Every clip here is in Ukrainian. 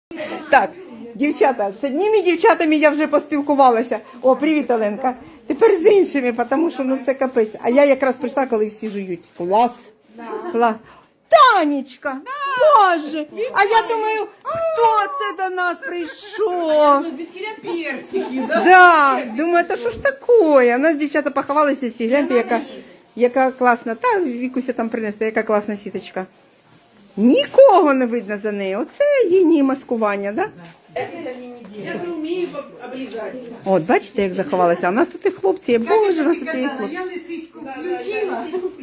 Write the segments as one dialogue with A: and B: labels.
A: Так, дівчата, з одніми дівчатами я вже поспілкувалася. О, привіт, Оленка. Тепер з іншими, тому що ну це капець. А я якраз прийшла, коли всі жують. Клас. Клас. Танечка, Боже, а я думаю, хто це до нас прийшов?
B: Звідкіля персики, да?
A: Да, думаю, та що ж таке? У нас дівчата поховалися всі, гляньте, яка класна. Та Вікуся там принесла, яка класна сіточка. Нікого не видно за нею. Оце геній маскування, да?
B: Я вмію облізати.
A: От, бачите, як заховалася. А у нас тут і хлопці є. Боже, у нас тут і хлопці.
B: Я лисичку включила.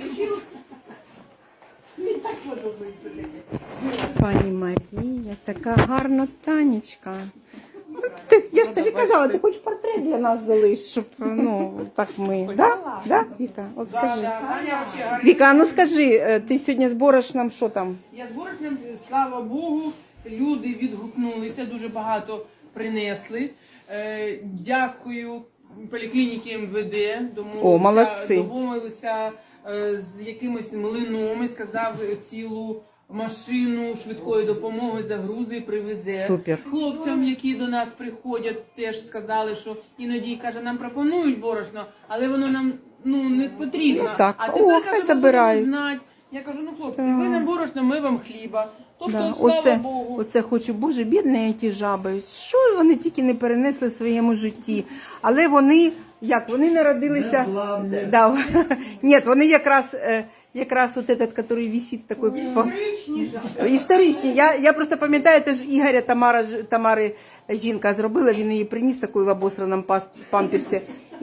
A: Пані Марія, така гарна Танечка. Я ж тобі казала, ти хоч портрет для нас залиш, щоб, ну, так ми. Да? Да, Віка? От скажи. Віка, а ну скажи, ти сьогодні з борошном, що там?
B: Я з борошном, слава Богу, люди відгукнулися, дуже багато принесли. Дякую поліклініки МВД,
A: О, молодці.
B: домовилися з якимось млином і сказав цілу машину швидкої допомоги загрузи і привезе.
A: Супер.
B: Хлопцям, які до нас приходять, теж сказали, що іноді, каже, нам пропонують борошно, але воно нам не потрібно.
A: Ну, так.
B: А
A: О,
B: тепер,
A: хай
B: каже,
A: забирають.
B: знати. Я кажу, ну хлопці, ви нам борошно, ми вам хліба. Тобто,
A: Да.
B: слава Богу.
A: Оце хочу, Боже, бідні ті жаби. Що вони тільки не перенесли в своєму житті. Але вони, як, вони народилися... Да. Ні, вони якраз от этот, який висить такий... Історичні. Я просто пам'ятаю, теж Ігоря Тамари жінка зробила, він її приніс такою в обосраному памперсі.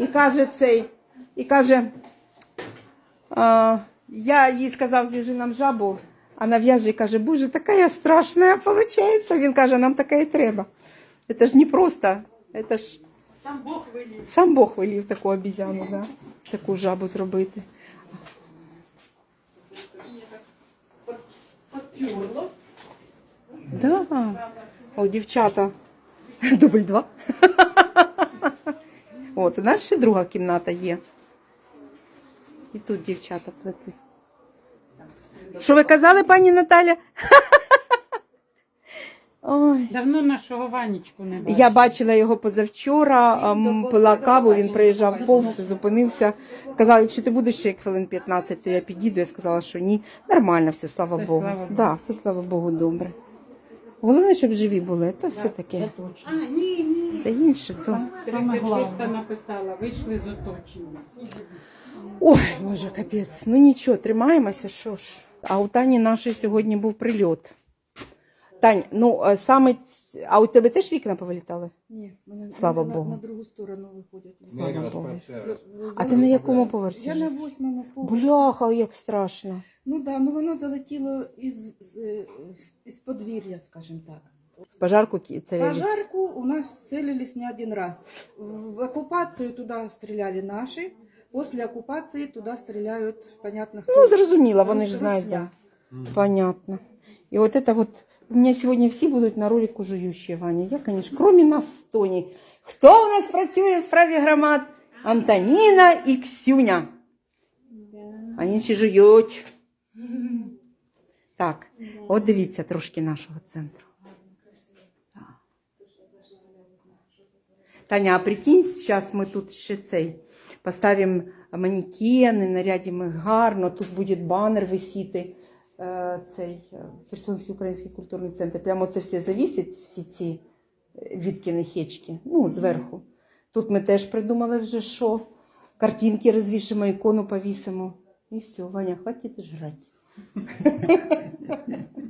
A: І каже, я їй сказав, зв'яжи нам жабу, а на в'яжі каже, Боже, така я страшна, виходить. Він каже, нам така і треба. Це ж не просто, це ж...
B: Сам Бог велів.
A: Сам Бог велів таку обізяну, да? Таку жабу зробити.
B: Подпюрло.
A: Да. О, дівчата. Дубль 2. От, у нас ще друга кімната є. І тут дівчата плетуть. Що ви казали, пані Наталя? Ой.
C: Давно нашого Ванечку не бачила.
A: Я бачила його позавчора, пила каву, він приїжджав повз, зупинився. Казав, якщо ти будеш ще хвилин 15, то я підійду. Я сказала, що ні. Нормально все, слава
C: Все,
A: Богу.
C: слава Богу.
A: Да, все, слава Богу, добре. Головне, щоб живі були, то все таке.
C: Це точно.
A: Все інше, то...
C: 36 написала, вийшли з оточення.
A: Ой, Боже, капець. Ну нічого, тримаємося, що ж. А у Тані нашої сьогодні був прильот. Тань, ну саме... А у тебе теж вікна повилітали?
D: Ні, мене
A: Слава
D: на,
A: Богу.
D: на другу сторону виходять.
A: Слава Богу. А ти на якому поверсі?
D: Я на 8-му поверсі.
A: Бляха, як страшно.
D: Ну да, ну воно залетіло із подвір'я, скажімо так.
A: В пожарку целились.
D: Пожарку у нас целились не один раз. В оккупацию туда стреляли наши, после оккупации туда стреляют, понятно, кто.
A: Ну, зрозуміло, вони ж знають.
D: Росія.
A: Да. Понятно. І от это вот, у меня сьогодні всі будуть на ролику жуючі, Ваня. Я, конечно, кроме нас з Тоні. Хто у нас працює в справі громад? Антоніна і Ксюня. А інші жують. Так, от дивіться трошки нашого центру. Таня, а прикинь, зараз ми тут ще поставимо манекени, нарядимо їх гарно, тут буде банер висіти, Херсонський український культурний центр. Прямо це все завісить, всі ці Віткіни хечки, ну, зверху. Тут ми теж придумали вже, що картинки розвішимо, ікону повісимо. І все, Ваня, хватить жрати.